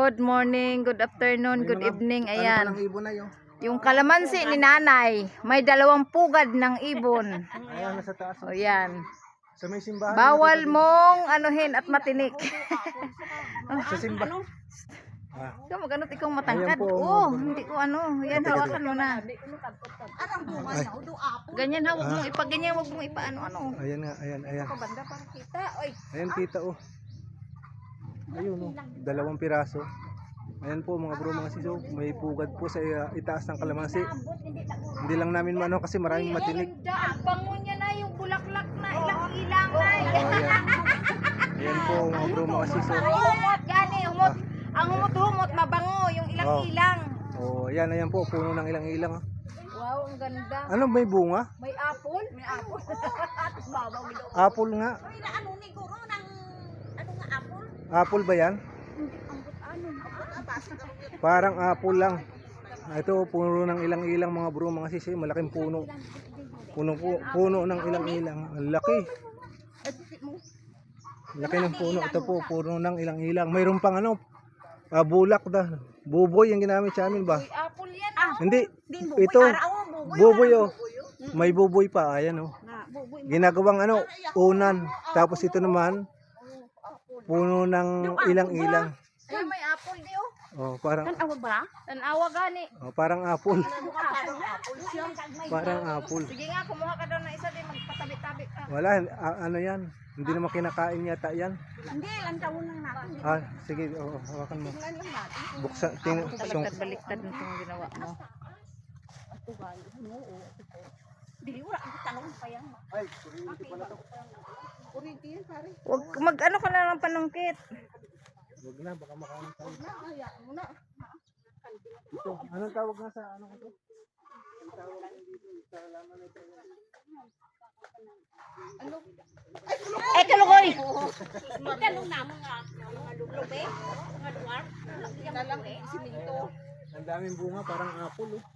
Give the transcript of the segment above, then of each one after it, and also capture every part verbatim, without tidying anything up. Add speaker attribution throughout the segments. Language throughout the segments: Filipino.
Speaker 1: good morning, good afternoon, good evening. Ayan.
Speaker 2: Ano ibon na yun?
Speaker 1: Yung kalamansi ni nanay, may dalawang pugad ng ibon.
Speaker 2: Ayan, nasa taas.
Speaker 1: O yan.
Speaker 2: Sa may simbahan.
Speaker 1: Bawal mong anuhin at matinik.
Speaker 2: Sa simbahan. Ah.
Speaker 1: Ikaw magano ikaw matangkad.
Speaker 2: Ayan po,
Speaker 1: Oh,
Speaker 2: mga-
Speaker 1: hindi ko ano. Yan, hawakan mo na.
Speaker 2: Ay.
Speaker 1: Ganyan hawak mo. Ipag ganyan, wag mong ipaano ano.
Speaker 2: Ayan nga, ayan, ayan. Ayan, kita oh. Ayun oh, dalawang piraso. Ayan po mga bro, mga siso, may pugad po sa uh, itaas ng kalamansi. Hindi lang namin mano kasi maraming matinik.
Speaker 1: Ang bango niya na yung bulaklak na ilang-ilang na.
Speaker 2: Oh, ayan. Ayan po mga bro, mga siso.
Speaker 1: Humot gani, humot. Ang humot-humot mabango yung ilang-ilang.
Speaker 2: Oh, ayan, ayan po, puno ng ilang-ilang. Oh.
Speaker 1: Wow, ang ganda.
Speaker 2: Ano, may bunga?
Speaker 1: May apple? May apple. At babaw nito.
Speaker 2: Apple nga.
Speaker 3: Ano ni guro ng ano nga apple?
Speaker 2: Apple ba yan? Parang apple lang. Ito, puno ng ilang-ilang mga bro, mga sisi, malaking puno. Puno po, puno ng ilang-ilang. Ang laki. Laki ng puno. Ito po, puno ng ilang-ilang. Mayroon pang ano, ah, bulak da. Buboy yung ginamit sa amin ba?
Speaker 1: Apple yan.
Speaker 3: Ah,
Speaker 2: Hindi. Ito, buboy oh. May buboy pa, ayan oh. Ginagawang ano, unan. Tapos ito naman, puno ng ilang-ilang.
Speaker 1: Ay, may apple di oh.
Speaker 2: Oh, parang
Speaker 3: Tanawa ba?
Speaker 1: Tanawa gani.
Speaker 2: oh, parang apple.
Speaker 3: Apple siya.
Speaker 2: Parang apple.
Speaker 1: Sige nga, kumuha ka daw ng isa din, magpatabi-tabi ka.
Speaker 2: Wala, a- ano yan? Hindi naman kinakain yata yan.
Speaker 3: Hindi, lang taon lang natin.
Speaker 2: Ah, sige, oh, hawakan mo.
Speaker 3: Tingnan lang natin.
Speaker 2: Buksan, ting, sung,
Speaker 1: Baliktad-baliktad nitong ginawa mo.
Speaker 3: Ito ba? Ano? Dili wala ang tanong pa yan.
Speaker 2: ay, kuryente pala to.
Speaker 3: Kurente yan pare.
Speaker 1: Wag mag-ano ka na ng panungkit.
Speaker 2: Huwag na, baka makain tayo.
Speaker 3: Na, kaya mo na.
Speaker 2: Ito, anong tawag nga sa ano ko to? Ang tawag nga dito, sa laman ito.
Speaker 3: Ano?
Speaker 1: Eh, kalukoy!
Speaker 3: Tanong na mga mga lublobe, mga luwar. Na lang eh, siminto.
Speaker 2: Ang daming bunga, parang apple oh.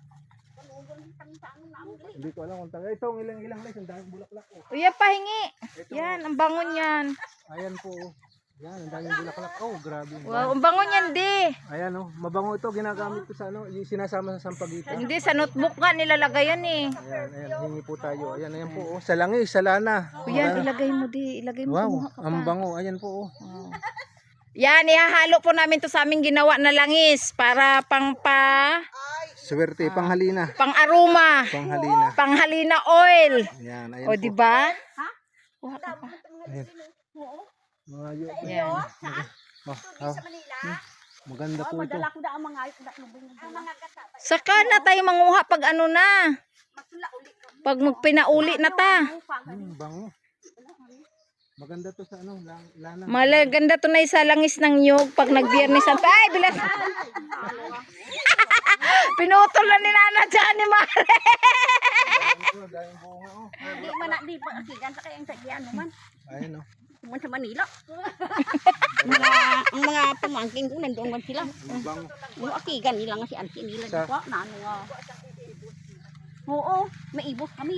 Speaker 2: Hindi ko alam kung taga. Ito, ang ilang-ilang guys, ang daming bulaklak oh.
Speaker 1: Uy, pahingi. Yan, ang bango niyan.
Speaker 2: Ayan po oh. Yan, ang daming bulaklak. Oh, grabe.
Speaker 1: Wow, ang bango niyan di.
Speaker 2: Ayan oh, mabango ito, ginagamit ko sa ano, yung sinasama sa sampagitan.
Speaker 1: Hindi, sa notebook nga nilalagay yan eh.
Speaker 2: Ayan, ayan, hingi po tayo. Ayan, ayan po oh. Sa langis, sa lana.
Speaker 1: O yan, ilagay mo di. Ilagay mo,
Speaker 2: Wow,
Speaker 1: kumuha ka pa.
Speaker 2: ang bango. Ayan po oh.
Speaker 1: Wow. Yan, ihahalo po namin to sa aming ginawa na langis para pang pa,
Speaker 2: Swerte, panghalina.
Speaker 1: pang aroma,
Speaker 2: Panghalina.
Speaker 1: panghalina oil.
Speaker 2: Ayan, ayan
Speaker 1: O
Speaker 2: po.
Speaker 1: di ba?
Speaker 2: Ayan. Mayo.
Speaker 1: Yan.
Speaker 2: Oh, oh.
Speaker 3: Manila.
Speaker 2: Maganda po ito.
Speaker 3: Madala ko da ang mga lubing ng mga gata.
Speaker 1: Saka na tayo manguha pag ano na.
Speaker 3: Masula ulit.
Speaker 1: Pag magpinauli na ta.
Speaker 2: Hmm, bango. Maganda to sa ano, lang, lana.
Speaker 1: Malaganda to na isa langis ng nyug pag nagbiyernes ang ay bilas. Pinutol na ni Nana dyan ni Mare.
Speaker 2: Oh, dahil bunga oh.
Speaker 3: Di man na di pa akigan sa kayang sagyan naman.
Speaker 2: Ayun oh.
Speaker 3: Tuman sa Manila. mga ang mga pamangkin ko nandoon man sila.
Speaker 2: Ang bango.
Speaker 3: Yung akigan nila nga si auntie nila
Speaker 2: Sa-
Speaker 3: di ba? Na ano nga. Oo, may ibos kami.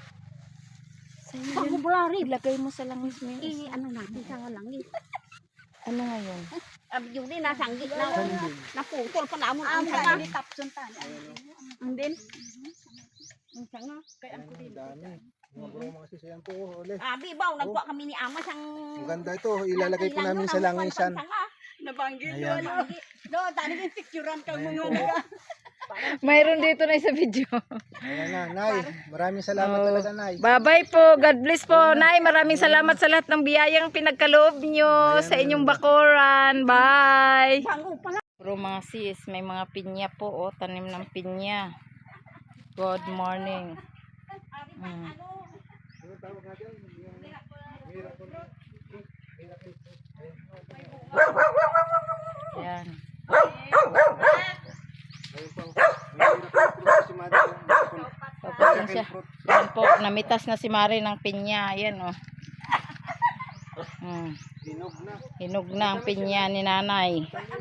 Speaker 3: Pag February,
Speaker 1: Ilagay mo sa langis mo yung
Speaker 3: eh, ano natin sa langit.
Speaker 1: ano ngayon?
Speaker 3: Abi yun din, nasa anggit na,
Speaker 2: Sandin.
Speaker 3: naputol pa naman ang sanga. Ang din. Ang sanga.
Speaker 2: Ang dami. Mga bro, mga sisiyan po oh. Uli.
Speaker 3: Abi ba, nagkuha kami ni Ama siyang...
Speaker 2: Maganda ito. Ilalagay po namin sa langisan.
Speaker 3: Nabanggit
Speaker 2: Ayan.
Speaker 3: Do, tani yung picturean ka mo nga.
Speaker 1: Mayroon dito na sa video.
Speaker 2: Ayan na, Nay. Maraming salamat
Speaker 1: Oh.
Speaker 2: talaga, Nay.
Speaker 1: Bye-bye po. God bless po, Nay. Maraming salamat sa lahat ng biyayang pinagkaloob nyo sa inyong bakuran. Bye.
Speaker 3: Bango pala.
Speaker 1: Bro, mga sis, may mga pinya po. Oh, tanim ng pinya. Good morning. Mm. Yan. Papasensya. Yan po, namitas na si Mari ng pinya. Yan oh. Mm.
Speaker 2: Hinog na.
Speaker 1: Hinog na ang pinya ni nanay.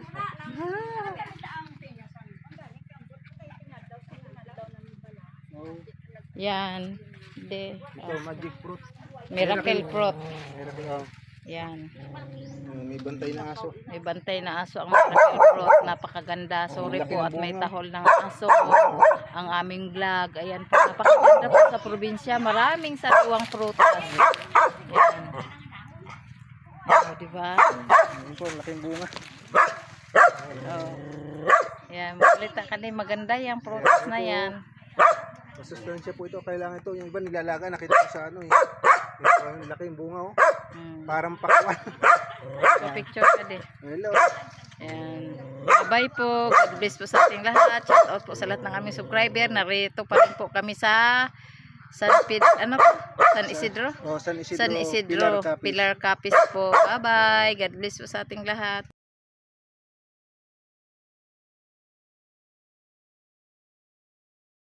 Speaker 2: Oh,
Speaker 1: Yan. De,
Speaker 2: ito, magic fruit.
Speaker 1: miracle fruit.
Speaker 2: Miracle, oh.
Speaker 1: Yan.
Speaker 2: Ayun, may bantay na aso.
Speaker 1: May bantay na aso ang miracle fruit. Napakaganda. Sorry
Speaker 2: Ang laki
Speaker 1: po
Speaker 2: ng
Speaker 1: at may
Speaker 2: bunga.
Speaker 1: tahol ng aso. Ang aming vlog. Ayan po. Napakaganda po sa probinsya. Maraming sariwang prutas. Yan. Oh, diba?
Speaker 2: Ayun po, ang laking bunga.
Speaker 1: Oh. Yan. Makulita ka din. Maganda yung prutas na yan.
Speaker 2: Masustansya po ito. Kailangan ito. Yung iba nilalaga. Nakita ko sa ano eh. Ito, ang laking bunga oh.
Speaker 1: Hmm.
Speaker 2: Parang pakwan.
Speaker 1: So, picture ka din.
Speaker 2: Hello.
Speaker 1: Ayan. Bye po. God bless po sa ating lahat. Shout out po sa lahat ng aming subscriber. Narito pa rin po kami sa San Pid, ano po? San Isidro?
Speaker 2: Oh, San Isidro.
Speaker 1: San Isidro.
Speaker 2: Pilar Capiz.
Speaker 1: Pilar Capiz po. Bye bye. God bless po sa ating lahat.